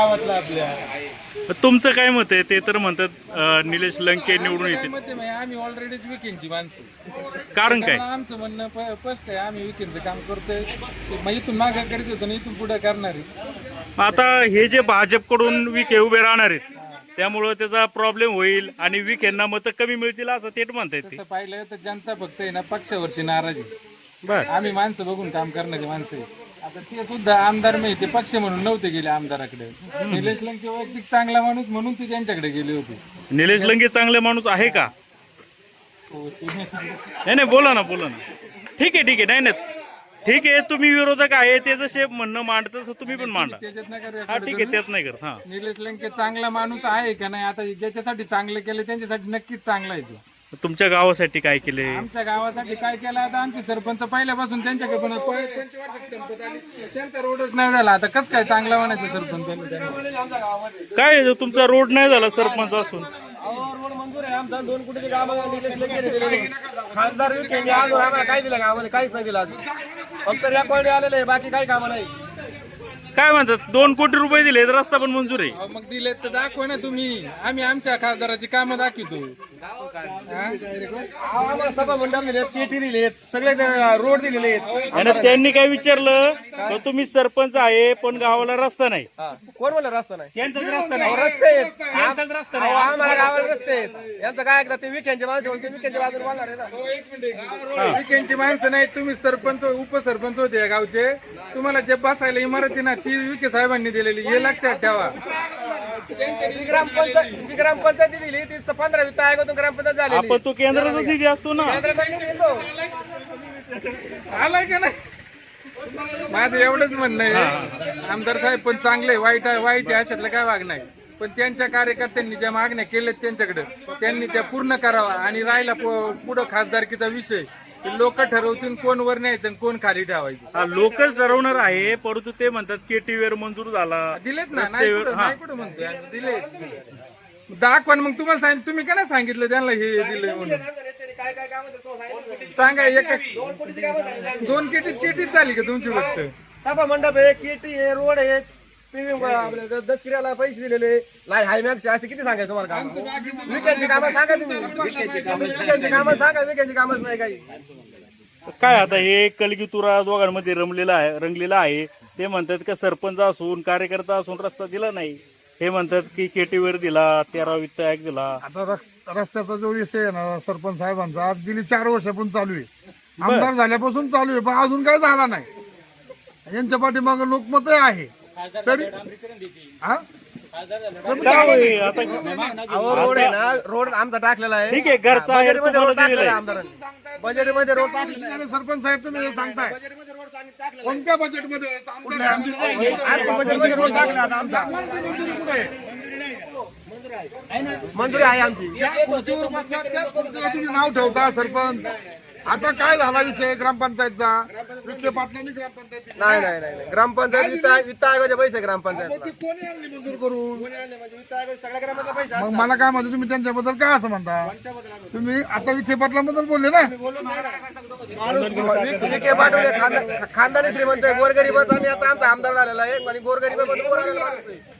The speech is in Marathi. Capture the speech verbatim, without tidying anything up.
गावातला आपल्या. तुमचं काय मत आहे? ते तर म्हणतात अं, निलेश लंके निवडून येतील. मत आहे, आम्ही ऑलरेडीच विकेंडची माणसं. कारण काय? त्यामुळे आमचं म्हणणं प- स्पष्ट आहे, आम्ही विकेंडचं काम करतोय. मग इथून मागं करीत होतो आणि इथून पुढे करणार आहे. आता हे जे भाजपकडून विखे उभे राहणार आहेत त्यामुळं त्याचा प्रॉब्लेम होईल आणि विखेंना मतं कमी मिळतील असं ते म्हणतायत ते. तसं पाहिलं तर जनता फक्त आहे ना पक्षावरती नाराज आहे. बर आम्ही माणसं बघून काम करणारी माणसं आहे. आता ते सुद्धा आमदार नाही, ते पक्ष म्हणून नव्हते गेले आमदाराकडे. निलेश लंके वैयक्तिक चांगला माणूस म्हणून ते त्यांच्याकडे गेले होते. निलेश लंके चांगले माणूस आहे का? हो, ते- नाही नाही बोला ना बोला ना. ठीक आहे ठीक आहे. नाही नाही ठीक आहे. तुम्ही विरोधक आहे ते जसे म्हणणं मांडत तसं तुम्ही पण मांडा. त्याच्यात नाही करू हा ठीक आहे त्यात नाही करत. हा निलेश लंके चांगला माणूस आहे का नाही, आता ज्याच्यासाठी चांगले केले त्यांच्यासाठी नक्कीच चांगला आहे तो. तुमच्या गावासाठी काय केले? आमच्या गावासाठी काय केलं आता आमचे सरपंच पहिल्यापासून त्यांच्याकडे पण पंचवार्षिक संपत आली, त्यांचा रोडच नाही झाला. आता कसं काय चांगला म्हणायचं सरपंच? काय आहे, तुमचा रोड नाही झाला सरपंच असून? रोड मंजूर आहे आमचा. दोन कोटीचे काम खासदार विखेंनी अजून आम्हाला काय दिलं गावामध्ये? काहीच नाही दिलं अजून. फक्त रेकॉर्ड आलेलं आहे, बाकी काही कामं नाही. काय म्हणतात? दोन कोटी रुपये दिले तर रस्ता पण मंजूर आहे. अहो, मग दिले तर दाखवा ना तुम्ही. आम्ही आमच्या खासदाराची कामं दाखवतो. अहो, आम्हाला सभा मंडप दिलेत, पेटी दिलेत, सगळे रोड दिलेले आहेत. आणि त्यांनी काय विचारलं तर तुम्ही सरपंच आहे पण गावाला रस्ता नाही. कोण म्हणलं रस्ता नाही? रस्ता नाही. रस्ते आहेत. अहो, आम्हाला गावाला रस्ते आहेत. यांचं काय ऐकतात? ते विखेंचे माणसं म्हणते, विखेंच्या बाजूने बोलणार आहे ना. विकेंडची माणसं नाही, तुम्ही सरपंच उपसरपंच होते या गावचे. तुम्हाला जे बसायला इमारती ना ती विखे साहेबांनी दिलेली, हे लक्षात ठेवा. जी ग्रामपंचायत जी ग्रामपंचायती दिली ती पंधरा वित्त आयोगातून ग्रामपंचायत झाली. आपण तो केंद्राचा निधी असतो ना. आलाय का नाही? माझं एवढंच म्हणणं आहे, आमदार साहेब पण चांगले, वाईट आहे वाईट आहे अशातलं काय वाग नाही. पण त्यांच्या कार्यकर्त्यांनी ज्या मागण्या केल्यात त्यांच्याकडे त्यांनी त्या पूर्ण करावा. आणि राहिला पुढं खासदारकीचा विषय, लोक ठरवतील कोण वर न्यायचं आणि कोण खाली ठेवायचं. हा लोकच ठरवणार आहे. परंतु ते म्हणतात केटी वेर मंजूर झाला. दिलेत ना, नाही कुठं नाही कुठं म्हणतोय, दिले. दाखवा ना मग. तुम्हाला सांग, तुम्ही का नाही सांगितलं त्यांना हे दिलंय म्हणून? सांगा. एक दोन केटी केटीच झाली का तुमची फक्त? सभा मंडप आहे, केटी आहे, रोड आहे, दसऱ्याला पैसे दिलेले, लाय हायमॅक्स असे किती सांगायचं तुम्हाला काम? विकेंडची कामं सांगा तुम्ही. विकेंडची कामं सांगा. विकेंडची कामच नाही काही. काय आता हे कलगीतुरा दोघांमध्ये रमलेला आहे रंगलेला आहे. ते म्हणतात का सरपंच असून कार्यकर्ता असून रस्ता दिला नाही. हे म्हणतात की केटीवर दिला, तेरा वित्त आयोग दिला. आता रस- रस्त्याचा जो विषय आहे ना सरपंच साहेबांचा, आज गेली चार वर्षापासून चालू आहे. आमदार झाल्यापासून चालू आहे, पण अजून काय झाला नाही. यांच्या पाठीमागे लोकमत आहे तरी हा? काय होईल आता? अहो, रोड आहे ना, रोड आमचा टाकलेला आहे. ठीक आहे, घरचा आहे, बजेटमध्ये रोड तुम्हाला टाकलेला आहे दिलेला आहे. आमदारांनी. बजेटमध्ये रोड टाकलेला आहे. आणि सरपंच साहेब तुम्ही हे सांगताय कोणत्या बजेटमध्ये? आमच्या बजेटमध्ये रोड टाकला आता आमचा. मंजुरी आहे आमची. ज्या खुर्चीवर बसतात त्याच खुर्चीला तुम्ही नाव ठेवता सरपंच. आता काय झाला विषय ग्रामपंचायतचा? विखे पाटलांनी ग्रामपंचायत दिली. नाही नाही नाही नाही. ग्रामपंचायत वित्त वित्त आयोगाचे पैसे ग्रामपंचायत. ती कोणी आणली मंजूर करून? वित्त आयोग सगळ्या ग्रामाचा पैसा. मग मला काय म्हणतो, तुम्ही त्यांच्याबद्दल काय असं म्हणता? तुम्ही आता विखे पाटलांबद्दल बोलले ना. विखे पाटोले खानदानी श्रीमंत आहे, गोरगरिबाचा आणि आता आमचा आमदार झालेला आहे आणि गोरगरिबाबद्दल बोलायला माणूस आहे.